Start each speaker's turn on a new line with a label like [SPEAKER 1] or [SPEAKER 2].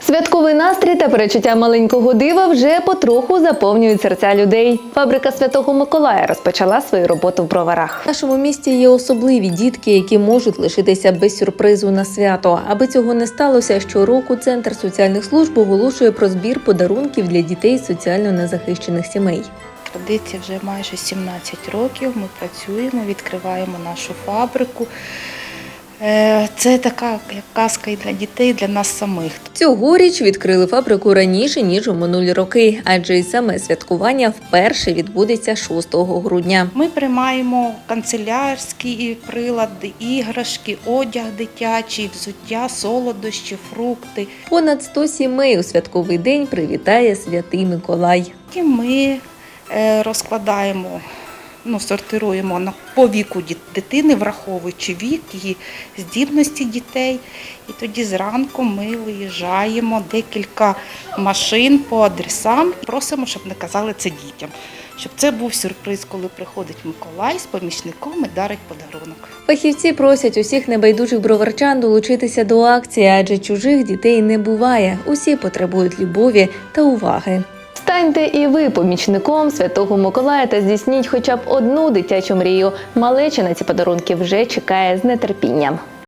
[SPEAKER 1] Святковий настрій та перечуття маленького дива вже потроху заповнюють серця людей. Фабрика Святого Миколая розпочала свою роботу в Броварах. В нашому місті є особливі дітки, які можуть лишитися без сюрпризу на свято. Аби цього не сталося, щороку Центр соціальних служб оголошує про збір подарунків для дітей з соціально незахищених сімей.
[SPEAKER 2] Традиція вже майже 17 років, ми працюємо, відкриваємо нашу фабрику. Це така як казка і для дітей, і для нас самих.
[SPEAKER 1] Цьогоріч відкрили фабрику раніше, ніж у минулі роки, адже і саме святкування вперше відбудеться 6 грудня.
[SPEAKER 2] Ми приймаємо канцелярські прилади, іграшки, одяг дитячий, взуття, солодощі, фрукти.
[SPEAKER 1] Понад 100 сімей у святковий день привітає Святий Миколай.
[SPEAKER 2] І ми розкладаємо, сортируємо по віку дитини, враховуючи вік, її здібності дітей. І тоді зранку ми виїжджаємо декілька машин по адресам. Просимо, щоб не казали це дітям. Щоб це був сюрприз, коли приходить Миколай з помічником і дарить подарунок.
[SPEAKER 1] Фахівці просять усіх небайдужих броварчан долучитися до акції, адже чужих дітей не буває. Усі потребують любові та уваги. Станьте і ви помічником Святого Миколая та здійсніть хоча б одну дитячу мрію. Малеча на ці подарунки вже чекає з нетерпінням.